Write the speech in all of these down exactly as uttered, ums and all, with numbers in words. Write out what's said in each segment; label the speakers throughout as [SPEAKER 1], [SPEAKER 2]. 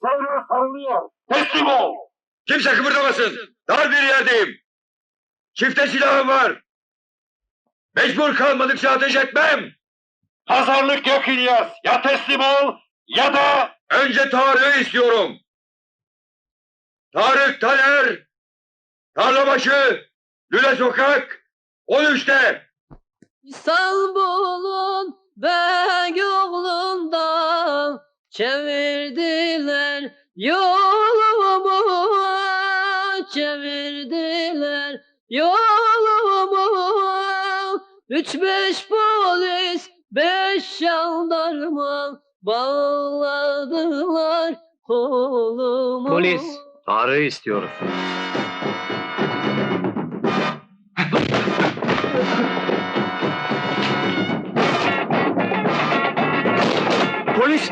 [SPEAKER 1] Sonra sarılıyor. Teslim ol.
[SPEAKER 2] Kimse kıpırdamasın. Dar bir yerdeyim. Çifte silahım var. Mecbur kalmadıkça ateş etmem.
[SPEAKER 1] Pazarlık yok İlyas. Ya teslim ol ya da...
[SPEAKER 2] Önce Tarık'ı istiyorum. Tarık Taner. Tarlabaşı. Lüle Sokak. on üçte.
[SPEAKER 3] İstanbul'un Beyoğlu'ndan çevirdiler yolumu, çevirdiler yolumu. Üç beş polis, beş jandarma bağladılar kolumu.
[SPEAKER 4] Polis, Tarık'ı istiyoruz. Polis!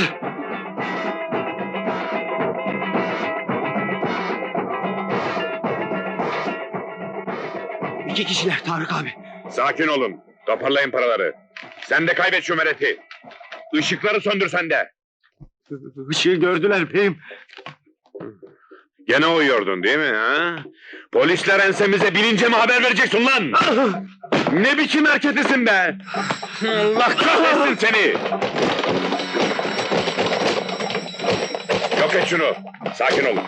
[SPEAKER 4] İki kişiler Tarık abi.
[SPEAKER 2] Sakin olun. Toparlayın paraları. Sen de kaybet şu mereti. Işıkları söndür sen de.
[SPEAKER 4] Işığı gördüler beyim.
[SPEAKER 2] Gene uyuyordun değil mi ha? Polisler ensemize binince mi haber vereceksin lan? Ne biçim hareketisin be? Allah kahretsin seni! Yok et şunu. Sakin olun.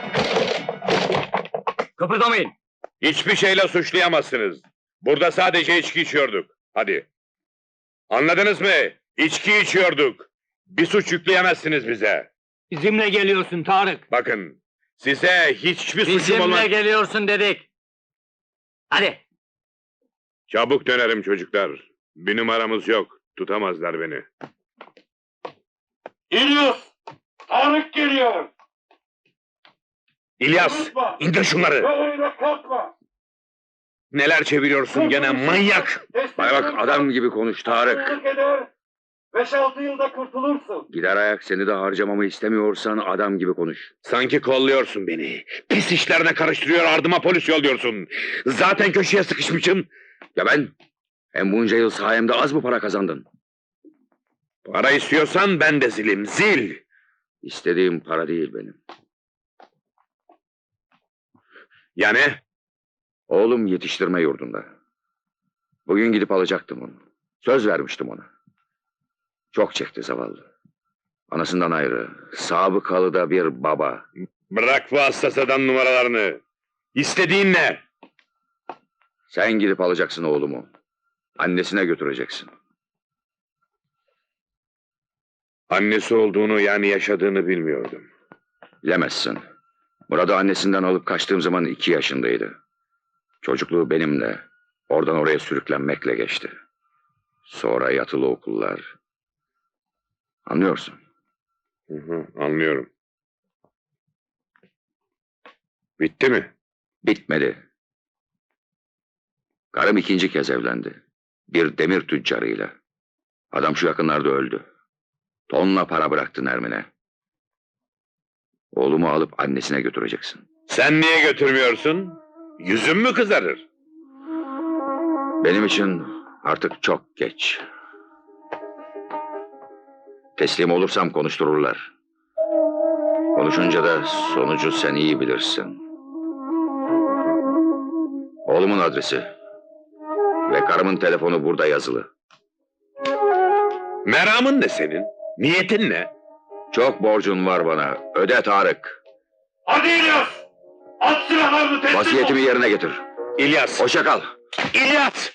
[SPEAKER 4] Kıpırdamayın.
[SPEAKER 2] Hiçbir şeyle suçlayamazsınız. Burada sadece içki içiyorduk. Hadi. Anladınız mı? İçki içiyorduk. Bir suç yükleyemezsiniz bize.
[SPEAKER 4] Bizimle geliyorsun Tarık.
[SPEAKER 2] Bakın, size hiçbir suçum olmaz.
[SPEAKER 4] Bizimle geliyorsun dedik. Hadi.
[SPEAKER 2] Çabuk dönerim çocuklar. Bir numaramız yok. Tutamazlar beni.
[SPEAKER 1] İlyas! Tarık geliyor.
[SPEAKER 2] İlyas,
[SPEAKER 1] Unutma.
[SPEAKER 2] indir şunları.
[SPEAKER 1] Böyle korkma.
[SPEAKER 2] Neler çeviriyorsun gene manyak. Bana bak adam gibi konuş Tarık.
[SPEAKER 1] Haksızlık eder. Beş altı yılda kurtulursun.
[SPEAKER 2] Gider ayak seni de harcamamı istemiyorsan adam gibi konuş. Sanki kolluyorsun beni. Pis işlerine karıştırıyor ardıma polis yolluyorsun. Zaten köşeye sıkışmışım. Ya ben? Hem bunca yıl sayemde az mı para kazandın? Para istiyorsan ben de zilim, zil. İstediğim para değil benim. Ya ne? Oğlum yetiştirme yurdunda. Bugün gidip alacaktım onu. Söz vermiştim ona. Çok çekti zavallı. Anasından ayrı, sabıkalı da bir baba. Bırak bu hassasadan numaralarını. İstediğin ne? Sen gidip alacaksın oğlumu. Annesine götüreceksin. Annesi olduğunu yani yaşadığını bilmiyordum. Bilemezsin. Murat'ı annesinden alıp kaçtığım zaman iki yaşındaydı. Çocukluğu benimle, oradan oraya sürüklenmekle geçti. Sonra yatılı okullar. Anlıyorsun. Hı hı, anlıyorum. Bitti mi? Bitmedi. Karım ikinci kez evlendi. Bir demir tüccarıyla. Adam şu yakınlarda öldü. Tonla para bıraktı Nermin'e. Oğlumu alıp annesine götüreceksin. Sen niye götürmüyorsun? Yüzün mü kızarır? Benim için artık çok geç. Teslim olursam konuştururlar. Konuşunca da sonucu sen iyi bilirsin. Oğlumun adresi ve karımın telefonu burada yazılı. Meramın ne senin? Niyetin ne? Çok borcun var bana. Öde Tarık.
[SPEAKER 1] Hadi İlyas! At silahlarını teslim ol.
[SPEAKER 2] Vasiyetimi yerine getir. İlyas. Hoşça kal. İlyas!